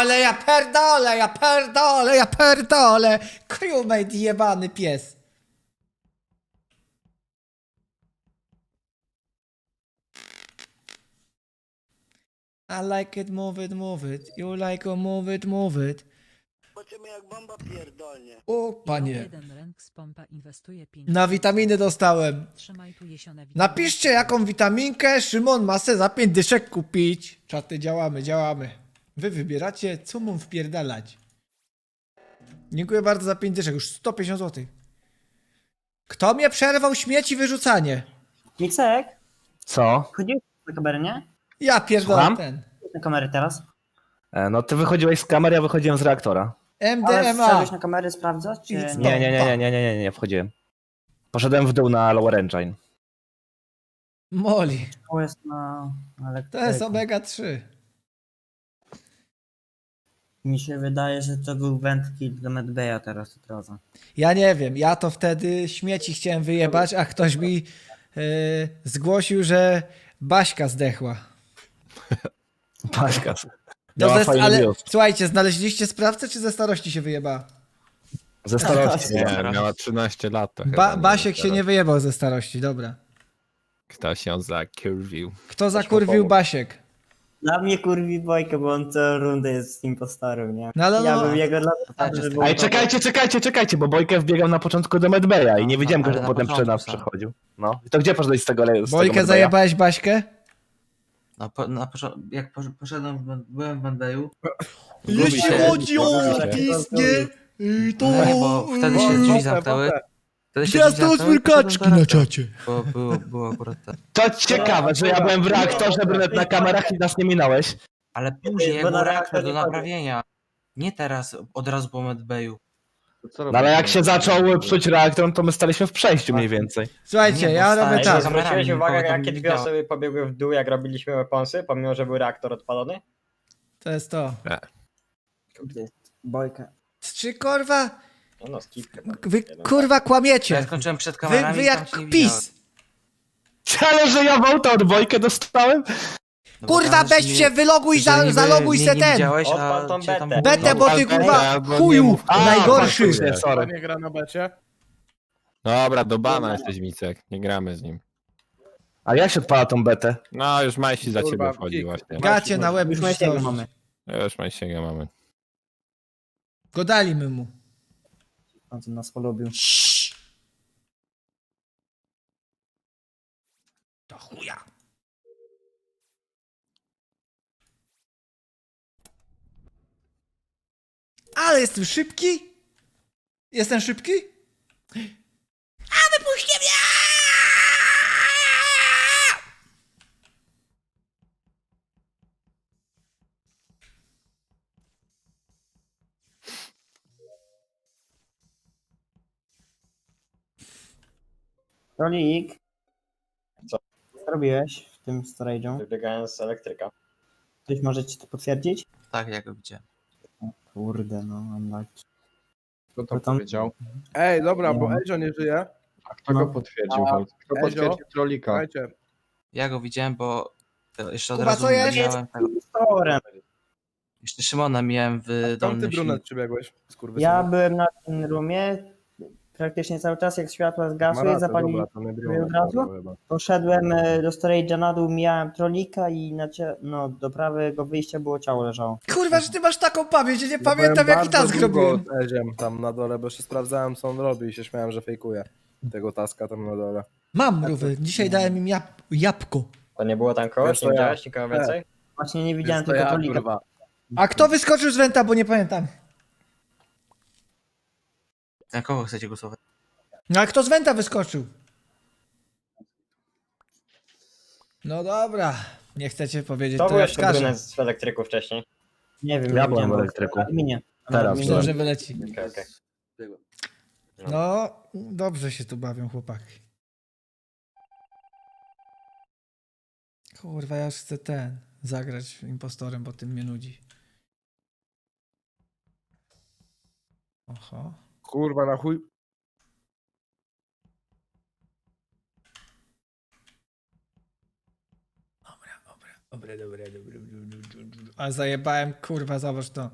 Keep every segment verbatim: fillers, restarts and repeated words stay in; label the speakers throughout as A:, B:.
A: pierdolę, ja pierdolę, ja pierdolę, ja pierdolę. Crewmate jebany pies. I like it, move it, move it. You like it, move it, move it.
B: Zobaczymy jak bomba pierdolnie.
A: O, panie.
C: jeden rank z pompa inwestuje pięć.
A: Na witaminy dostałem.
C: Trzymaj tu jesione witaminy.
A: Napiszcie jaką witaminkę Szymon ma se za pięć dyszek kupić. Czaty, działamy, działamy. Wy wybieracie, co mam wpierdalać. Dziękuję bardzo za pięć dyszek, już sto pięćdziesiąt złotych. Kto mnie przerwał śmieci wyrzucanie?
D: Micek,
E: Co?
D: chodziłeś na kamerę, nie?
A: Ja pierdolę
E: Słucham?
A: ten.
D: Na kamerę teraz.
E: E, No ty wychodziłeś z kamery, ja wychodziłem z reaktora.
D: Ale
A: M D M A.
D: wszedłeś na kamerę sprawdzać, czy
A: Nic.
D: nie?
E: Nie, nie, nie, nie, nie, nie, nie, nie wchodziłem. Poszedłem w dół na Lower Engine.
A: Moli.
D: To jest na
A: To
D: elektryku.
A: jest omega trzy.
D: Mi się wydaje, że to był wędki do Medbeja teraz od razu.
A: Ja nie wiem, ja to wtedy śmieci chciałem wyjebać, a ktoś mi yy, zgłosił, że Baśka zdechła.
E: Paśka.
A: No
E: Miała
A: ze,
E: fajny
A: ale
E: biust.
A: słuchajcie, znaleźliście sprawcę, czy ze starości się wyjebała?
E: Ze starości.
F: Nie, miała trzynaście lat to
A: Ba
F: chyba.
A: Basiek się
F: teraz.
A: nie wyjebał ze starości, dobra.
F: Ktoś ją zakurwił.
A: Kto zakurwił Basiek?
D: Dla mnie kurwi Bojkę, bo on co rundę jest z impostorem, nie?
A: No, ale
D: ja
A: no-
D: bym jego dla żeby
E: Ej, czekajcie, czekajcie, czekajcie, bo Bojkę wbiegał na początku do Medbeja i nie wiedziałem go,
G: ale
E: że
G: na
E: potem przy
G: początku
E: nas
G: sam.
E: przechodził. No. I to gdzie poszedłeś z tego, le- z tego
A: Bojkę
E: Medbeja?
A: zajebałeś Baśkę?
G: Na, po, na początku, jak posz- poszedłem, w- byłem w Bendeju.
A: Jeśli
G: się-
A: chodzi o piznie, y, to...
G: No nie, bo wtedy się drzwi zamknęły. Wtedy się drzwi
A: Gwiazdo
G: zamknęły,
A: smyrkaczki
G: poszedłem do
A: na
G: reaktora,
A: czacie.
G: Bo było, było akurat tak.
E: To ciekawe, że ja byłem w reaktorze, brunet na kamerach i nas nie minąłeś.
G: Ale później, jak
D: Bo na
G: był
D: reaktor
G: reaktor do
D: nie chodzi.
G: naprawienia. Nie teraz, od razu po Medbayu.
E: No ale jak się zaczął psuć reaktor, to my staliśmy w przejściu mniej więcej.
A: Słuchajcie,
G: Nie,
A: ja
G: bo
A: robię
G: stałeś
A: tak.
G: za kamerami,
H: Zwróciłeś uwagę,
G: nikogo tam
H: jakie
G: nie
H: dwie
G: widziałem.
H: osoby pobiegły w dół, jak robiliśmy weaponsy, pomimo, że był reaktor odpalony?
A: To jest to.
D: Bojkę.
A: Czy kurwa,
H: No, no skip chyba.
A: wy kurwa
G: Ja
A: kłamiecie.
G: skończyłem przed
A: Wy,
G: kamerami
A: wy
G: i tam
A: jak
G: cię nie widziałem.
A: pis.
E: Ale że ja wołta od Bojkę dostałem?
G: No bo
A: Kurwa,
G: tam,
A: weź
G: że
A: się,
G: nie-
A: wyloguj,
G: że
A: za,
G: niby
A: zaloguj
G: mnie
A: se
G: nie
A: ten.
G: widziałeś, a
H: Odpal tą
G: cię tam
H: betę.
G: było-
A: Betę, bo ty
F: Betę,
A: kurwa
F: albo nie
A: chuju
F: mów-
E: A,
A: najgorszy.
E: faktycznie, sorry.
I: Nie gra na becie?
F: Dobra, do bana jesteś Micek. Nie gramy z nim.
E: A jak się odpala tą betę?
F: No, już Majsi za
I: Kurwa,
F: ciebie wchodzi
I: kik.
F: właśnie.
A: Gacie na łeb
D: Już
A: już
D: Majsiego
A: to-
D: mamy.
F: Już Majsiego mamy.
A: Godali my mu.
D: On co nas polubił.
A: To chuja. Ale jestem szybki. Jestem szybki? A wypuśćcie mnie!
D: Rolik.
H: Co?
D: Co robiłeś w tym storage'u?
H: Wybiegałem z elektryka.
D: Ktoś może ci to potwierdzić?
G: Tak, ja go widziałem.
D: Kurde, no, unlucky.
I: Kto to
D: Bo tam-
I: powiedział? Ej, dobra, bo
D: Nie.
I: Ezio nie żyje.
H: A kto
D: No.
H: go potwierdził?
I: A,
H: Kto
I: Ezio?
H: potwierdził trolika?
I: Słuchajcie,
G: Ja go widziałem, bo e, jeszcze od
A: Kuba,
G: razu
A: co jest?
G: miałem tego.
D: Impostorem.
G: Jeszcze Szymona miałem w
I: skąd ty
G: dolnym
I: brunet
G: silniku.
I: przybiegłeś? Skurwysynu?
D: Ja byłem na tym roomie praktycznie cały czas, jak światła
I: Ma
D: zgasły,
I: rację,
D: zapalili.
I: dobra, to nie
D: sobie
I: brunet,
D: od razu?
I: dobra, chyba.
D: Poszedłem e, do storage'a na dół, mijałem trolika i na cie... no, do prawego wyjścia było ciało leżało.
A: Kurwa, że ty masz taką pamięć, ja nie
I: Ja
A: pamiętam
I: byłem
A: jaki
I: bardzo
A: task
I: długo
A: robiłem.
I: z Eziem tam na dole, bo jeszcze sprawdzałem, co on robi i się śmiałem, że fejkuje tego taska tam na dole.
A: Mam mrówy, dzisiaj dałem im jab jabłko.
H: To nie było tam kogoś?
I: Wiesz, to
H: Nie
I: ja.
H: widziałeś nikogo więcej?
D: Właśnie nie widziałem
I: Jest to
D: tylko
I: ja,
D: trolika.
I: kurwa.
A: A kto wyskoczył z wenta, bo nie pamiętam.
G: Na kogo chcecie głosować?
A: No a kto z wenta wyskoczył? No dobra, nie chcecie powiedzieć,
H: To
A: to
H: był
A: ja
H: jeszcze
A: wskażę.
H: brunet z elektryku wcześniej.
D: Nie wiem,
E: Ja
D: nie
E: byłem
D: widziałem,
E: w
D: bo
E: elektryku.
D: na adminie. Na
E: Teraz
D: adminie.
A: Myślę, że wyleci.
H: Okej, okej.
A: No, dobrze się tu bawią chłopaki. Kurwa, ja już chcę ten, zagrać impostorem, bo tym mnie nudzi. Oho.
I: Kurwa, na chuj.
A: Dobra, dobra, dobra, dobra, dobra, dobra, dobra. A zajebałem, kurwa, zobacz to.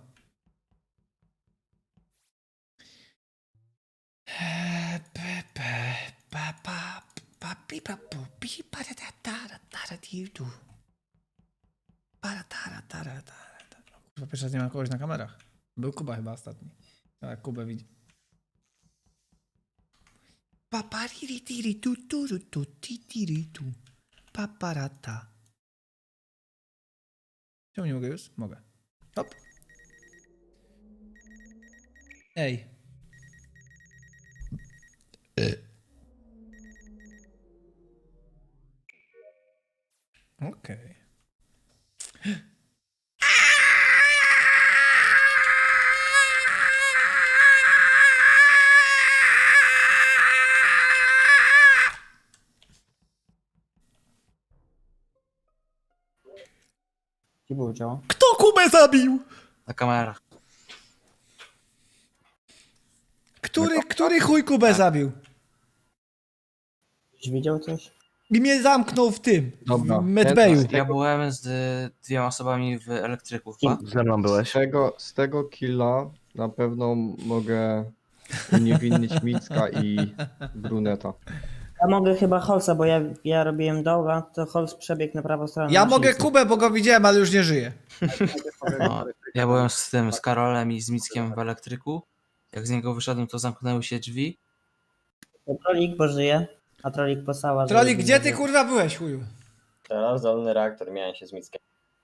A: Pe, pe, pa, pa, pa, pi, pa, pu, pi, pa, da, da, da, da, da, da, di, du. Pa, da, da, da, da, da, da. Kurwa, pierwszy raz nie ma kogoś na kamerach. Był Kuba chyba ostatni. Tak, Kubę widzi. Pa, pa, ri, ri, ti, ri, tu, tu, ru, tu, ti, ti, ri, tu. Pa, pa, ra, ta. Czemu nie mogę już? Mogę. Hop. Ej. Okej.
D: Gdzie było ciało?
A: Kto Kubę zabił?
G: Na kamerach.
A: Który, który chuj Kubę zabił?
D: Ktoś widział coś?
A: I mnie zamknął w tym,
I: Dobra.
A: w medbayu.
G: Ja byłem z y, dwiema osobami w elektryku chyba.
E: Ze mną byłeś.
J: Z tego, z tego killa na pewno mogę uniewinnić Micka i Bruneta.
D: Ja mogę chyba Holsa, bo ja, ja robiłem doła, to Hols przebiegł na prawą stronę.
A: Ja
D: na
A: mogę
D: silnicy.
A: Kubę, bo go widziałem, ale już nie żyje.
G: No, ja byłem z tym, z Karolem i z Mickiem w elektryku. Jak z niego wyszedłem, to zamknęły się drzwi.
D: To Trolik, bo żyje, a Trolik posała. że-
A: Trolik, gdzie ty kurwa byłeś, chuju?
H: Teraz dolny reaktor, miałem się z Mickiem.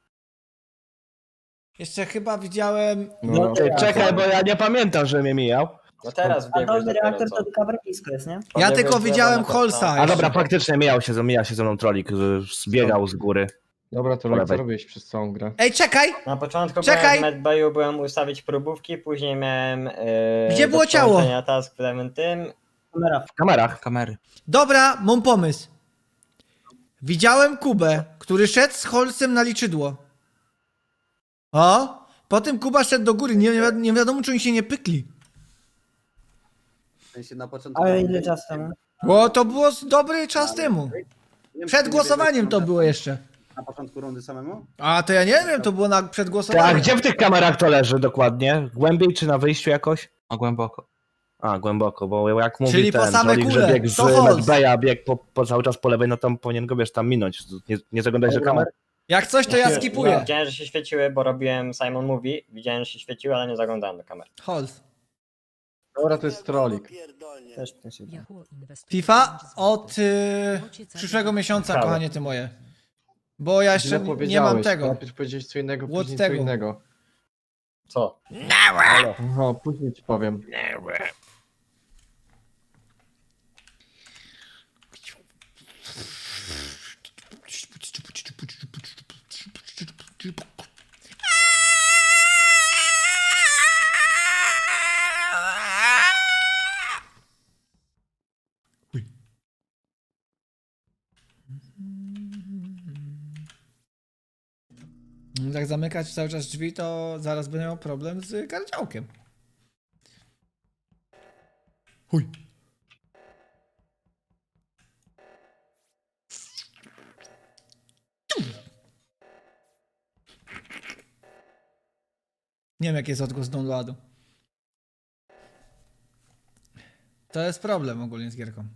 A: Jeszcze chyba widziałem...
J: No,
E: Ty, czekaj, bo ja nie pamiętam, że mnie mijał.
H: No teraz
D: A
H: wbiegłeś
D: dolny
H: dopiero,
D: reaktor
H: co?
D: to cover blisko jest, nie?
A: Ja
H: Pobiegłeś
A: tylko
H: w lewo
A: widziałem
H: na
A: Holsa.
E: A
A: jeszcze.
E: dobra, faktycznie mijał się, ze- mija się ze mną trolik, że zbiegał z góry.
J: Dobra, to
E: Po
J: co
E: lewej.
J: robisz przez całą grę?
A: Ej, czekaj!
H: Na początku
A: Czekaj!
H: byłem w medbayu, byłem ustawić próbówki, później miałem... Yy,
A: Gdzie
H: do
A: było ciało?
H: połączenia task w lewym tym.
D: Kamera.
E: W kamerach.
G: Kamery.
A: Dobra, mam pomysł. Widziałem Kubę, który szedł z Holsem na liczydło. O! Potem Kuba szedł do góry, nie, wi- nie wiadomo czy oni się nie pykli.
D: Ale ile czasu temu?
A: Bo to było z- dobry czas temu. Przed głosowaniem to było jeszcze.
K: Na początku rundy samemu?
A: A to ja nie wiem, to było na, przed
E: Ty, a
A: głosowaniem.
E: gdzie w tych kamerach to leży dokładnie? Głębiej czy na wyjściu jakoś?
G: No głęboko.
E: A, głęboko, bo jak mówi
A: Czyli po
E: ten
A: same
E: trolik,
A: kule,
E: że biegł z
A: to Holz.
E: medbaya, biegł po, po cały czas po lewej, no to powinien go, wiesz, tam minąć. Nie, nie zaglądać do kamer?
A: Jak coś, to ja
H: No,
A: skipuję.
H: widziałem, że się świeciły, bo robiłem Simon Movie. Widziałem, że się świeciły, ale nie zaglądałem do kamery.
A: Hols.
J: Dobra, to jest trolik.
B: Pierdolnie.
D: Też tak się
C: Yahoo inwestuje
A: FIFA
C: pięć złotych.
A: od y, przyszłego miesiąca,
H: Prawo.
A: kochanie ty moje. Bo ja jeszcze
J: Źle
A: nie mam
J: powiedziałeś.
A: tego.
J: Najpierw powiedziałeś co innego,
A: Łód
J: później
A: tego.
J: co innego.
H: Co?
J: Aha, później ci powiem.
A: Jak zamykać cały czas drzwi, to zaraz będę miał problem z gardziałkiem. Chuj. Nie wiem, jaki jest odgłos downloadu. To jest problem ogólnie z gierką.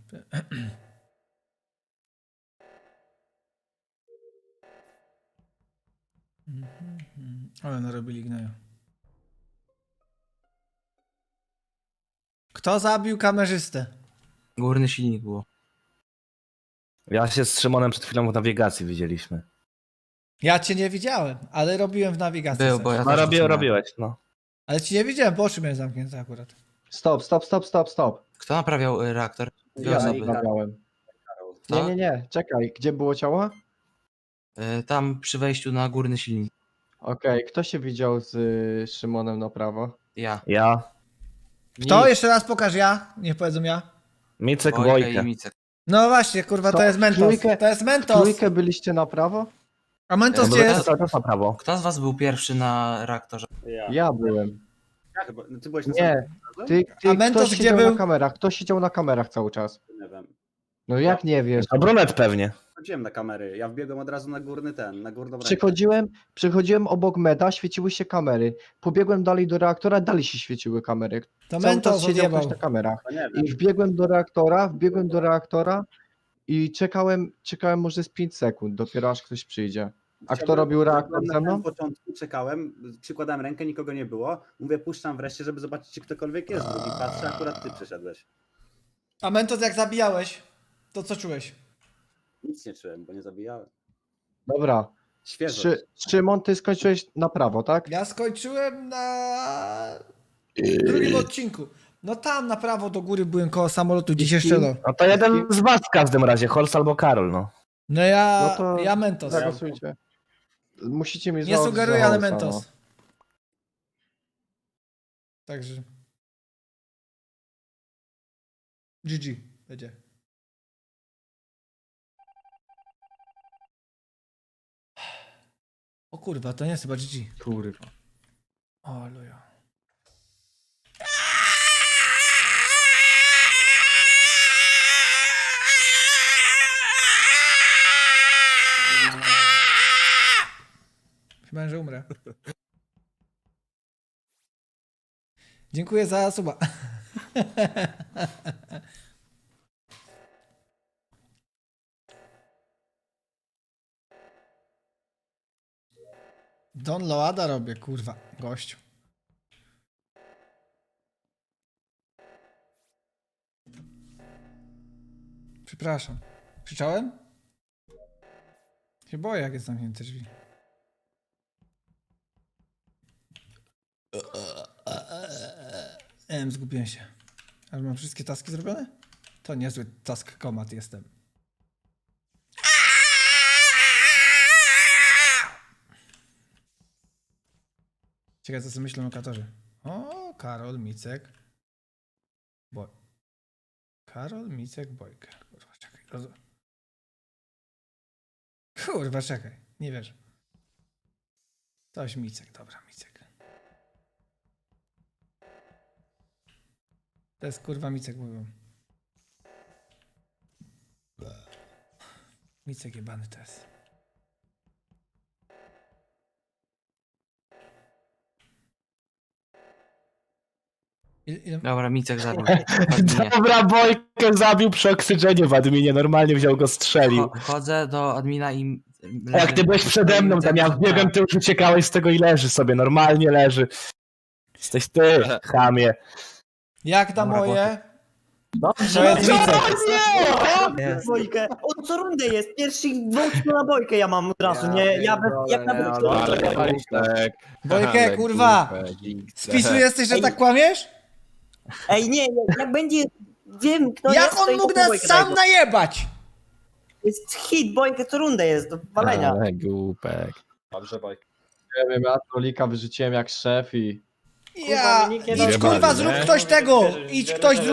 A: Ale narobili gnoju. Kto zabił kamerzystę?
G: Górny silnik było.
E: Ja się z Szymonem przed chwilą w nawigacji widzieliśmy.
A: Ja cię nie widziałem, ale robiłem w nawigacji.
G: Był,
A: coś.
G: bo ja
E: No
G: też
E: robię,
G: zaczynałem.
E: robiłeś, no.
A: Ale ci nie widziałem, bo oczy miałem zamknięte akurat.
J: Stop, stop, stop, stop, stop.
G: Kto naprawiał y, reaktor? Dwie
J: Ja
G: osoby.
J: naprawiałem.
G: Co?
J: Nie, nie, nie, czekaj, gdzie było ciało?
G: Y, tam przy wejściu na górny silnik.
J: Okej, kto się widział z y, Szymonem na prawo?
G: Ja.
E: Ja,
A: Kto?
J: Nic.
A: Jeszcze raz pokaż ja. Niech powiedzą ja.
E: Micek,
G: Wojtek i
E: Wojtek.
G: Micek.
A: No właśnie, kurwa, to
J: Co?
A: jest Mentos.
J: Trójkę-
A: To jest Mentos.
J: Trójkę byliście na prawo?
A: A Mentos
G: Ja
A: gdzie
G: byłem
A: jest?
E: Cały czas na prawo.
G: Kto z was był pierwszy na reaktorze?
K: Ja.
J: Ja byłem.
K: Ja chyba. No, ty byłeś na
J: Nie, ty, ty
A: A Mentos
J: kto
A: gdzie
J: siedział
A: był?
J: na kamerach? Kto siedział na kamerach cały czas?
K: samym, nie wiem.
J: No jak nie wiesz?
E: A brunet pewnie.
K: wchodziłem na kamery. Ja wbiegłem od razu na górny ten, na górną rękę.
J: Przechodziłem, przechodziłem obok meda, świeciły się kamery. Pobiegłem dalej do reaktora, dalej się świeciły kamery.
A: To
J: Cały
A: Mentos
J: czas siedział ktoś
A: odjebał.
J: na kamerach.
K: To nie wiem.
J: I wbiegłem do reaktora, wbiegłem do reaktora i czekałem, czekałem może z pięć sekund, dopiero aż ktoś przyjdzie. A kto
K: Chciałbym-
J: robił reaktor
K: byłem na
J: ze mną?
K: samym początku, czekałem, przykładałem rękę, nikogo nie było. Mówię, puszczam wreszcie, żeby zobaczyć, czy ktokolwiek jest. Drugi patrzę, akurat ty przyszedłeś.
A: A Mentos, jak zabijałeś, to co czułeś?
K: Nic nie czułem, bo nie zabijałem.
J: Dobra.
K: Świeżo.
J: Szy, Szymon, ty skończyłeś na prawo, tak?
A: Ja skończyłem na drugim odcinku. No tam na prawo do góry byłem koło samolotu, gdzieś jeszcze do.
E: No to jeden z was w każdym razie, Holz albo Karol, no.
A: No ja,
J: No to
A: ja Mentos.
J: Zagłosujcie. Musicie mi
A: Nie
J: za-
A: sugeruję,
J: za
A: ale
J: Holsa,
A: Mentos.
J: no.
A: Także. G G będzie. O kurwa, to nie jest chyba G G.
J: Kurwa.
A: O luja. Chyba, że umrę. Dziękuję za suba. Don Loada robię, kurwa, gościu. Przepraszam. Krzyczałem? Się boję, jak jest zamknięte drzwi. Em, zgubiłem się. Ale mam wszystkie taski zrobione? To niezły task komat jestem. Ciekawe, co sobie myślą lokatorzy. O, Karol, Micek. Boj. Karol, Micek, Bojka. Kurwa, czekaj. Roz... Kurwa, czekaj. Nie wierzę. Toś Micek, dobra, Micek. To jest kurwa Micek, mówią. Micek jebany to jest. Ile, ile...
G: Dobra, Micek zabił. Adminie.
E: Dobra, Bojkę zabił przy oksygenie w adminie, normalnie wziął go, strzelił.
G: Cho- Chodzę do admina i...
E: Jak ty byłeś przede mną, tam ja wbiegłem, ty już uciekałeś z tego i leży sobie, normalnie leży. Jesteś ty, chamie.
A: Jak tam
G: Dobra,
A: moje?
E: Dobrze,
A: To jest Micek.
D: O, Bojkę! O, co rundę jest? Pierwszych dwóch na Bojkę ja mam od razu, nie? Ja bez, jak na
F: Ale
D: Bojkę.
F: głupek,
A: Bojkę,
F: ale
A: kurwa!
F: głupek, X.
A: Spisu jesteś, że tak kłamiesz?
D: Ej, nie, jak, jak będzie... Wiem, kto
A: Jak
D: jest, to
A: on
D: i
A: mógł
D: to
A: nas
D: Bojkę
A: sam
D: dajcie.
A: najebać?
D: Jest hit, Bojkę co rundę jest, do walenia.
F: Ale głupek.
I: Dobrze, Bajk.
J: Nie wiem, ja trolika wyrzuciłem jak szef i...
A: Ja...
D: mi nikt nie
A: Idź
F: dał-
A: kurwa, zrób
F: nie?
A: ktoś tego! Idź ktoś,